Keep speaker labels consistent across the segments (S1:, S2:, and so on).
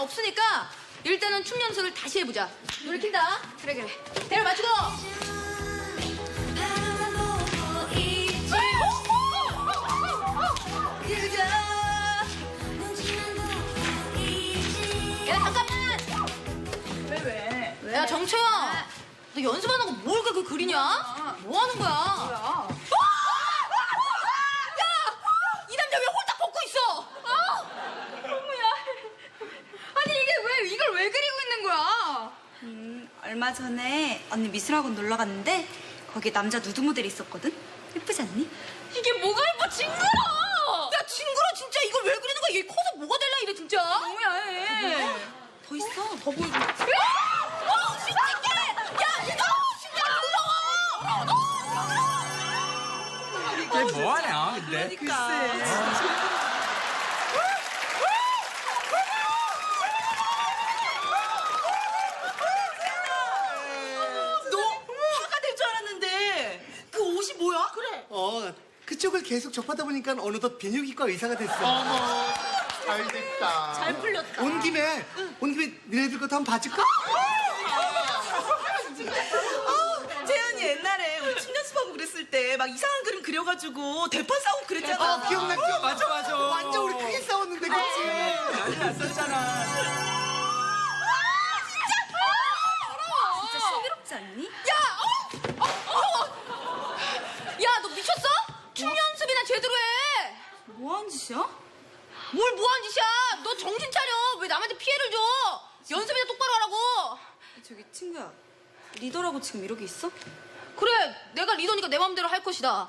S1: 없으니까 일단은 춤 연습을 다시 해보자. 노래 킨다. 그래. 대로 맞추고. 야, 잠깐만.
S2: 왜?
S1: 야, 정채야. 너 연습 안 하고 뭘 그렇게 그리냐? 뭐 하는 거야?
S2: 뭐야?
S1: 야! 이 남자 왜 홀딱 벗고 있어?
S2: 어머야. 아니 이걸 왜 그리고 있는 거야?
S3: 얼마 전에 언니 미술학원 놀러 갔는데 거기 남자 누드 모델이 있었거든? 예쁘지 않니?
S2: 이게 뭐가 예뻐 징그러!
S1: 야, 징그러 진짜. 이걸 왜 그리는 거야? 얘 커서 뭐가 될라 이래 진짜.
S2: 너무 야해.
S3: 더 있어.
S1: 더 보이고. 신기해. 야, 이거 진짜 무서워.
S4: 얘 뭐하냐 근데?
S3: 너 화가 될 줄 알았는데 그 옷이 뭐야? 그래.
S5: 그쪽을 계속 접하다 보니까 어느덧 비뇨기과 의사가 됐어.
S6: 어머, 잘 됐다.
S1: 잘 풀렸다.
S5: 온 김에 니네들 것도 한번 봐줄까?
S3: 재현이 옛날에 우리 춤 연습하고 그랬을 때 막 이상한 그림 그려가지고 대판 싸우고 그랬잖아.
S5: 기억나.
S4: 맞아.
S5: 완전 우리 크게 싸웠는데, 그치?
S4: 난리 났었잖아.
S3: 진짜 신비롭지 않니?
S1: 야, 너 미쳤어? 춤 연습이나 제대로 해.
S3: 뭐하는 짓이야?
S1: 뭘 뭐하는 짓이야? 너 정신 차려. 왜 남한테 피해를 줘? 연습이나 똑바로 하라고.
S3: 저기 친구야, 리더라고 지금 이러고 있어?
S1: 그래, 내가 리더니까 내 마음대로 할 것이다.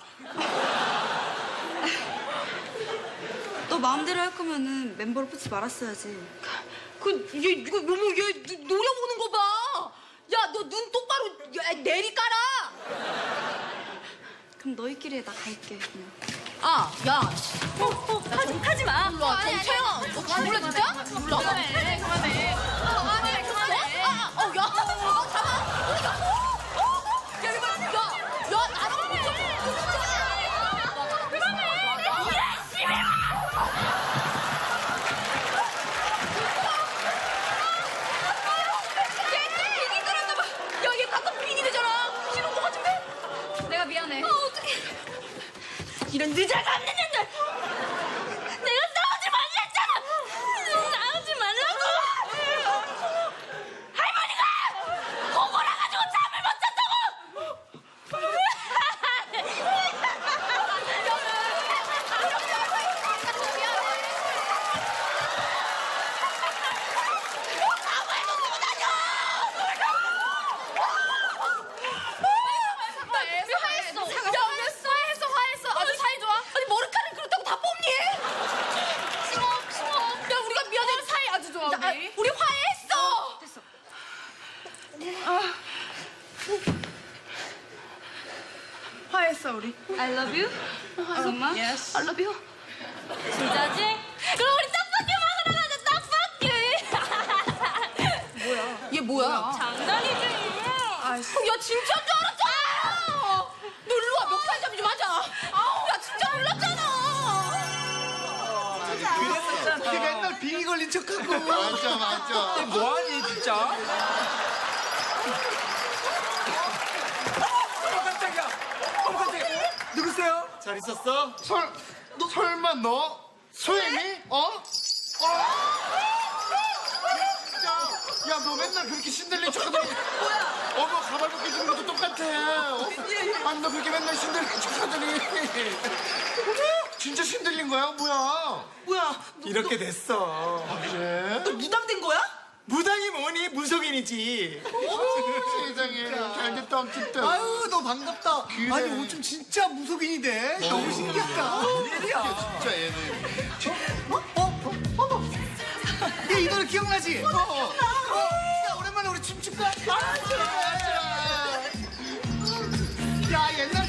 S3: 너 마음대로 할 거면은 멤버로 뽑지 말았어야지.
S1: 이거 노려보는 거 봐. 야, 너 눈 똑바로 내리 깔아.
S3: 그럼 너희끼리 해, 나 갈게 그냥.
S1: 야.
S3: 하지 마.
S1: 일로 와, 정채영. 너 죽을래, 진짜?
S2: 그만해.
S1: 야. 잠깐만. 어디가? 야, 이거, 야, 나랑 야, 얘 가끔 빙이 되잖아. 싫은 거 같은데?
S2: 내가 미안해.
S1: 어떡해. 이런 늦어가 없는 년들. 내가 싸우지 말랬잖아. 싸우지 말라고. 할머니가 고고라 가지고 잠을 못 잤다고. 화했어. 아주 사이 좋아. 아니, 머리카락 그렇다고 다 뽑니? 심어. 야, 우리가 미안해.
S2: 사이 아주 좋아 우리.
S1: 우리 화해했어.
S2: 됐어. 화했어 우리.
S3: I love you. 정말?
S2: Yes.
S1: I love you.
S3: 진짜지?
S1: 그럼 우리 떡볶이 먹으러 가자. 떡볶이.
S2: 뭐야?
S1: 얘 뭐야?
S3: 장난이지.
S1: 야, 진짜인 줄 알았잖아. 너 일로 와. 멱살 잡이 좀 하자. 야, 진짜 몰랐잖아.
S5: 걔 맨날 빙이 걸린 척하고.
S6: 맞아.
S4: 얘 뭐하니 진짜? 깜짝이야. 누구세요?
S6: 잘 있었어? 설마 너? 소연이? 야, 너 맨날 그렇게 신들린 척하더니 어머, 가발 벗겨주는 것도 똑같아. 아니, 너 그렇게 맨날 신들린 척하더니 진짜 신들린 거야? 뭐야?
S5: 뭐야,
S6: 이렇게 됐어. 그래?
S5: 너 무당된 거야?
S6: 무당이 뭐니? 무속인이지. 세상에, 잘 됐다, 어쨌든.
S5: 아유, 너 반갑다.
S6: 그래.
S5: 아니, 요즘 진짜 무속인이 돼. 너무 신기하다.
S6: 진짜 얘는.
S5: 얘 이 노래 기억나지? 야, 오랜만에 우리 춤출까?
S6: 맞아.
S5: 야, 옛날